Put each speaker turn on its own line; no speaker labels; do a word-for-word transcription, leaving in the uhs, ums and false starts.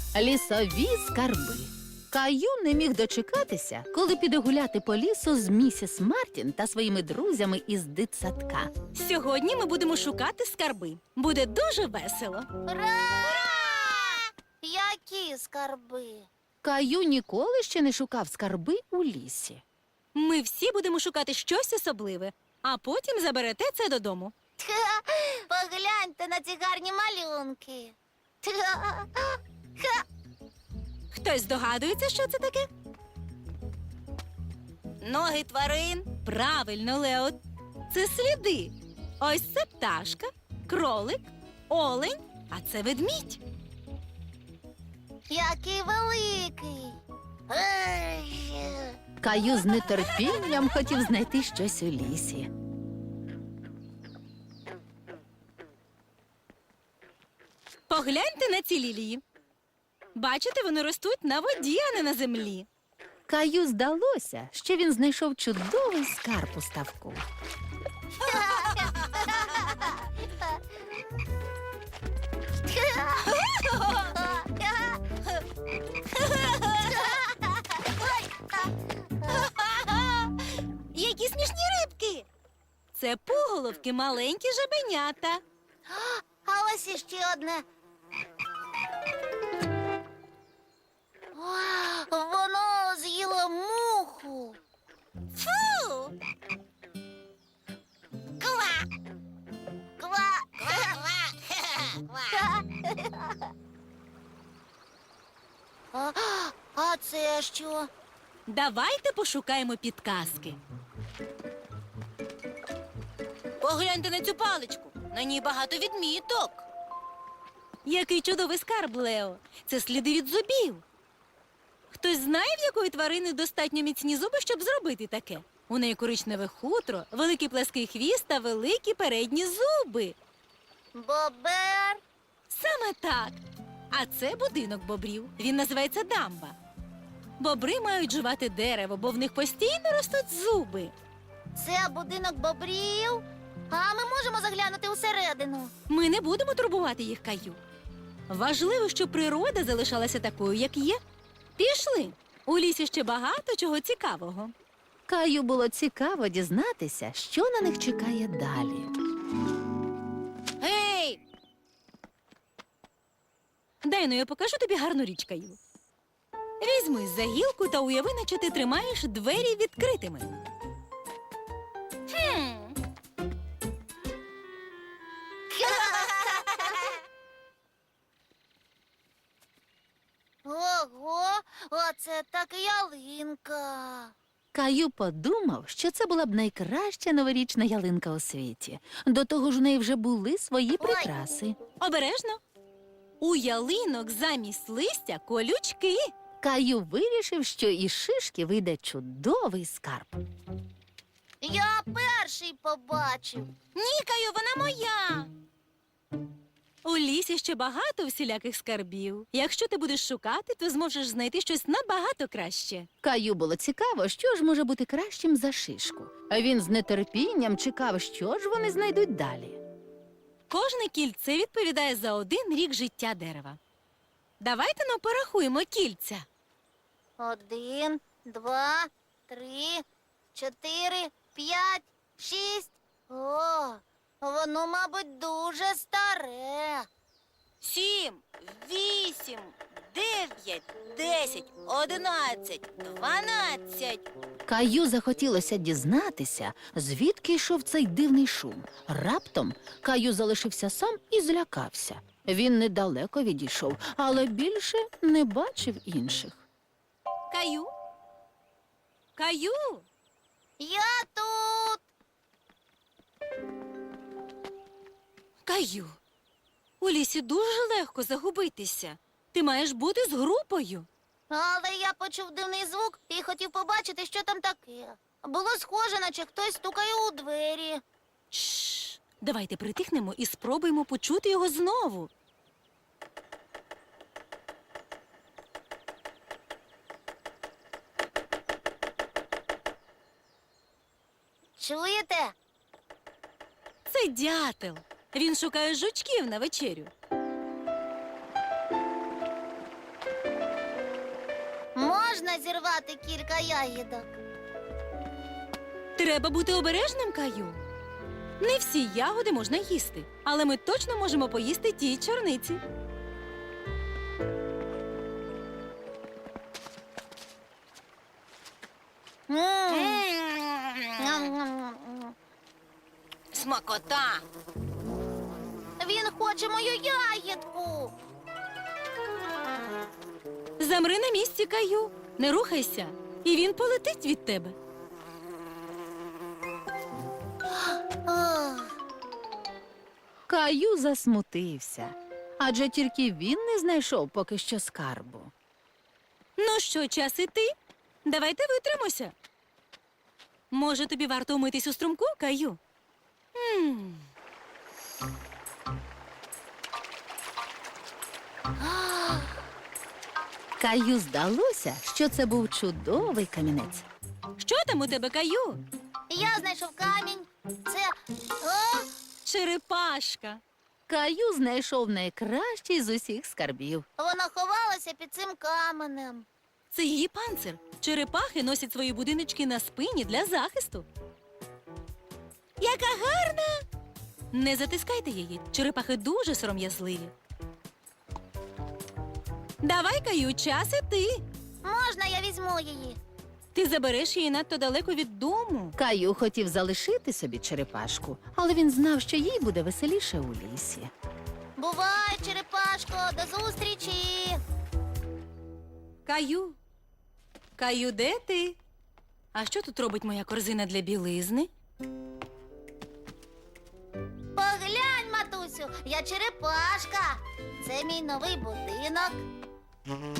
Лісові скарби. Каю не міг дочекатися, коли піде гуляти по лісу з місіс Мартін та своїми друзями із дитсадка.
Сьогодні ми будемо шукати скарби. Буде дуже весело.
Ура! Які скарби?
Каю ніколи ще не шукав скарби у лісі.
Ми всі будемо шукати щось особливе, а потім заберете це додому.
Тха, погляньте на ці гарні малюнки. Тха, ха.
Хтось здогадується, що це таке? Ноги тварин. Правильно, Лео. Це сліди. Ось це пташка, кролик, олень, а це ведмідь.
Який великий. Ей.
Каю з нетерпінням хотів знайти щось у лісі.
Погляньте на ці лілії. Бачите, вони ростуть на воді, а не на землі.
Каю здалося, що він знайшов чудовий скарб у ставку.
Які смішні рибки! Це пуголовки, маленькі жабенята.
А ось іще одне. О, воно з'їло муху. Фу! Ква! Ква! Ква! А, а це що?
Давайте пошукаємо підказки. Погляньте на цю паличку. На ній багато відміток. Який чудовий скарб, Лео. Це сліди від зубів. Хтось знає, в якої тварини достатньо міцні зуби, щоб зробити таке? У неї коричневе хутро, великий плеский хвіст та великі передні зуби.
Бобер.
Саме так. А це будинок бобрів. Він називається дамба. Бобри мають жувати дерево, бо в них постійно ростуть зуби.
Це будинок бобрів. А ми можемо заглянути усередину.
Ми не будемо турбувати їх, Каю. Важливо, щоб природа залишалася такою, як є. Пішли. У лісі ще багато чого цікавого.
Каю було цікаво дізнатися, що на них чекає далі.
Гей! Дай, ну я покажу тобі гарну річ, Каю. Візьми за гілку та уяви, наче ти тримаєш двері відкритими. Хм.
Ого, оце так ялинка.
Каю подумав, що це була б найкраща новорічна ялинка у світі. До того ж у неї вже були свої прикраси.
Обережно. У ялинок замість листя колючки.
Каю вирішив, що із шишки вийде чудовий скарб.
Я перший побачив.
Ні, Каю, вона моя. У лісі ще багато всіляких скарбів. Якщо ти будеш шукати, то зможеш знайти щось набагато краще.
Каю було цікаво, що ж може бути кращим за шишку. А він з нетерпінням чекав, що ж вони знайдуть далі.
Кожне кільце відповідає за один рік життя дерева. Давайте ну порахуємо кільця.
Один, два, три, чотири, п'ять, шість. О, воно, мабуть, дуже старе.
Сім, вісім, дев'ять, десять, одинадцять, дванадцять.
Каю захотілося дізнатися, звідки йшов цей дивний шум. Раптом Каю залишився сам і злякався. Він недалеко відійшов, але більше не бачив інших.
Каю? Каю?
Я тут.
Каю, у лісі дуже легко загубитися. Ти маєш бути з групою.
Але я почув дивний звук і хотів побачити, що там таке. Було схоже, наче хтось стукає у двері.
Шш, давайте притихнемо і спробуємо почути його знову.
Чуєте?
Це дятел. Він шукає жучків на вечерю.
можна зірвати кілька ягідок?
Треба бути обережним, Каю. Не всі ягоди можна їсти, але ми точно можемо поїсти ті чорниці.
Ням-ням-ням.
Смакота!
Він хоче мою ягідку.
Замри на місці, Каю. Не рухайся, і він полетить від тебе.
Ох.
Каю засмутився, адже тільки він не знайшов поки що скарбу.
Ну що, час іти? Давайте витримося. Може, тобі варто умитись у струмку, Каю? м
Каю здалося, що це був чудовий камінець.
Що там у тебе, Каю?
Я знайшов камінь. Це. О!
Черепашка.
Каю знайшов найкращий з усіх скарбів.
Вона ховалася під цим каменем.
Це її панцир. Черепахи носять свої будиночки на спині для захисту. Яка гарна! Не затискайте її. Черепахи дуже сором'язливі. Давай, Каю, час іти.
Можна я візьму її?
Ти забереш її надто далеко від дому.
Каю хотів залишити собі черепашку, але він знав, що їй буде веселіше у лісі.
Бувай, черепашко, до зустрічі.
Каю. Каю, де ти? А що тут робить моя корзина для білизни?
Поглянь, матусю, я черепашка. Це мій новий будинок.